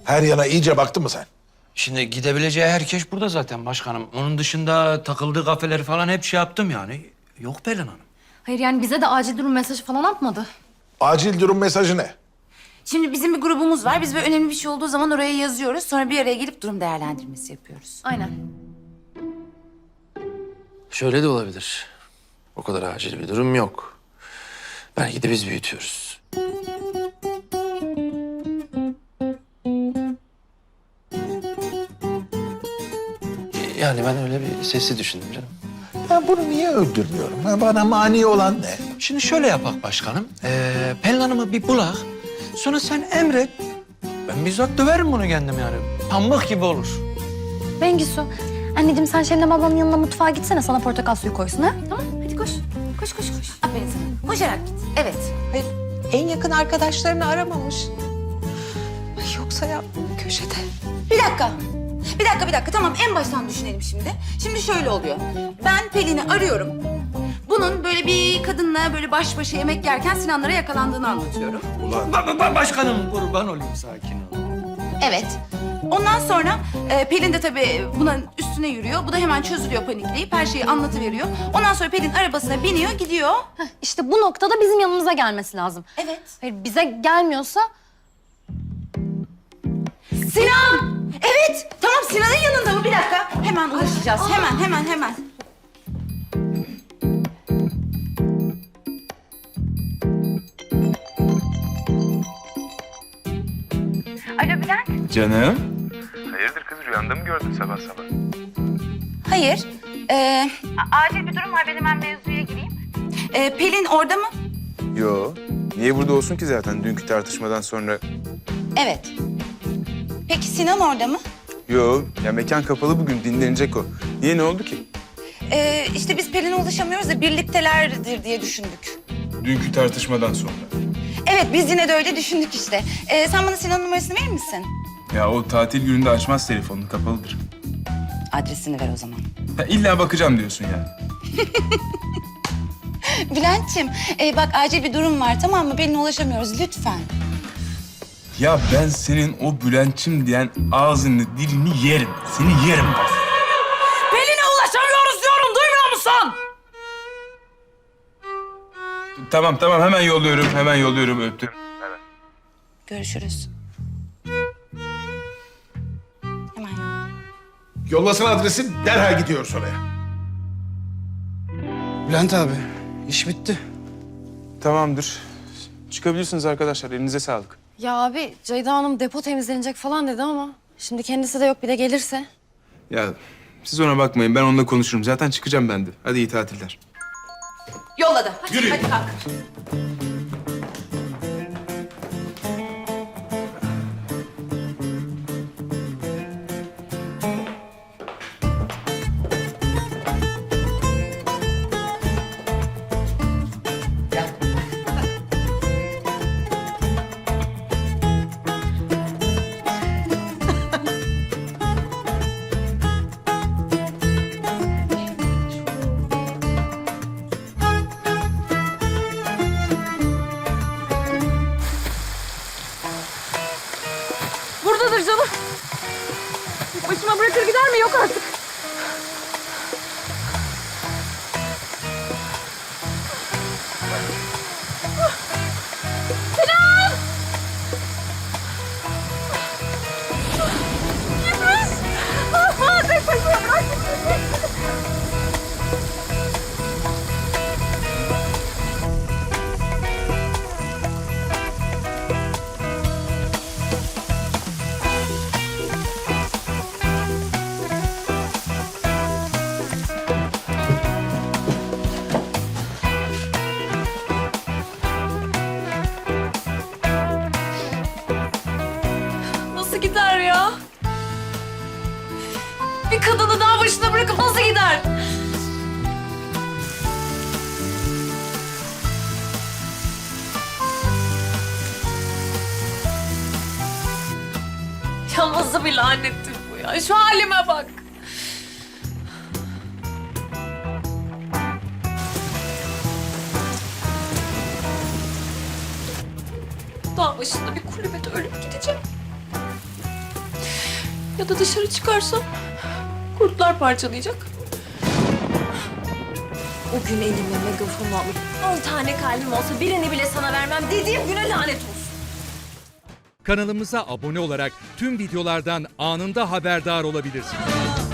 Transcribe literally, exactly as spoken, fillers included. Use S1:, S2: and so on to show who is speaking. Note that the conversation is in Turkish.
S1: Her yana iyice baktın mı sen?
S2: Şimdi gidebileceği herkes burada zaten başkanım. Onun dışında takıldığı kafeleri falan hep şey yaptım yani. Yok Pelin Hanım.
S3: Hayır yani bize de acil durum mesajı falan atmadı.
S1: Acil durum mesajı ne?
S4: Şimdi bizim bir grubumuz var. Biz böyle önemli bir şey olduğu zaman oraya yazıyoruz. Sonra bir araya gelip durum değerlendirmesi yapıyoruz.
S3: Aynen.
S2: Şöyle de olabilir. O kadar acil bir durum yok. Belki de biz büyütüyoruz. Yani ben öyle bir sesi düşündüm canım.
S1: Ben bunu niye öldürmüyorum? Ha, bana mani olan ne?
S2: Şimdi şöyle yapak başkanım. Ee, Pelin Hanım'ı bir bulak. Sonra sen emret. Ben bizzat döverim bunu kendim yani. Pamuk gibi olur.
S3: Bengisu, anneciğim sen Şebnem ablanın yanına mutfağa gitsene sana portakal suyu koysun ha?
S4: Tamam, hadi koş. Koş, koş, koş. Aferin sana. Koşarak git. Evet.
S5: Hayır, en yakın arkadaşlarını aramamış. Ay yoksa ya köşede.
S4: Bir dakika. Bir dakika, bir dakika. Tamam, en baştan düşünelim şimdi. Şimdi şöyle oluyor. Ben Pelin'i arıyorum. Bunun böyle bir kadınla böyle baş başa yemek yerken Sinanlara yakalandığını anlatıyorum.
S1: Ulan
S2: Ba- ba- başkanım kurban olayım, sakin ol.
S4: Evet. Ondan sonra e, Pelin de tabii buna üstüne yürüyor. Bu da hemen çözülüyor panikleyip her şeyi anlatıveriyor. Ondan sonra Pelin arabasına biniyor, gidiyor.
S3: Heh, işte bu noktada bizim yanımıza gelmesi lazım.
S4: Evet.
S3: Hayır bize gelmiyorsa
S4: Sinan! Evet! Tamam, Sinan'ın yanında mı? Bir dakika. Hemen ulaşacağız. Hemen, hemen, hemen. Alo Bülent.
S6: Canım.
S7: Hayırdır kız, rüyanda mı gördün sabah sabah?
S4: Hayır. Ee,
S8: Acil bir durum var, ben hemen mevzuya gireyim.
S4: e, Pelin orada mı?
S6: Yo. Niye burada olsun ki zaten dünkü tartışmadan sonra?
S4: Evet. Peki Sinan orada mı?
S6: Yo. Ya mekan kapalı bugün, dinlenecek o. Niye, ne oldu ki?
S4: Ee, işte biz Pelin'e ulaşamıyoruz da birliktelerdir diye düşündük.
S6: Dünkü tartışmadan sonra.
S4: Evet, biz yine de öyle düşündük işte. Ee, sen bana Sinan'ın numarasını verir misin?
S6: Ya o tatil gününde açmaz telefonunu, kapalıdır.
S4: Adresini ver o zaman.
S6: Ha, illa bakacağım diyorsun yani.
S4: Bülent'ciğim, e, bak acil bir durum var, tamam mı? Pelin'e ulaşamıyoruz, lütfen.
S6: Ya ben senin o Bülent'çim diyen ağzını, dilini yerim. Seni yerim bak.
S2: Pelin'e ulaşamıyoruz diyorum, duymuyor musun?
S6: Tamam tamam, hemen yolluyorum, hemen yolluyorum, öptüm.
S4: Görüşürüz. Hemen yollayayım.
S1: yollasana adresi, derhal gidiyoruz oraya.
S9: Bülent abi, iş bitti.
S6: Tamamdır. Çıkabilirsiniz arkadaşlar, elinize sağlık.
S3: ya abi Ceyda Hanım depo temizlenecek falan dedi ama şimdi kendisi de yok bir de gelirse.
S6: Ya siz ona bakmayın, ben onunla konuşurum. Zaten çıkacağım ben de. Hadi iyi tatiller.
S4: Yolladı. Hadi, hadi kalk.
S3: Buradadır canım. Başıma bırakır gider mi? Yok artık. Nasıl gider ya? Bir kadını daha başına bırakıp nasıl gider? Ya nasıl bir lanettir bu ya? Şu halime bak. Dağ başında bir kulübede ölüp gideceğim. Ya da dışarı çıkarsam kurtlar parçalayacak. O gün elime megafonu alıp on tane kalbim olsa birini bile sana vermem dediğim güne lanet olsun.
S10: Kanalımıza abone olarak tüm videolardan anında haberdar olabilirsiniz.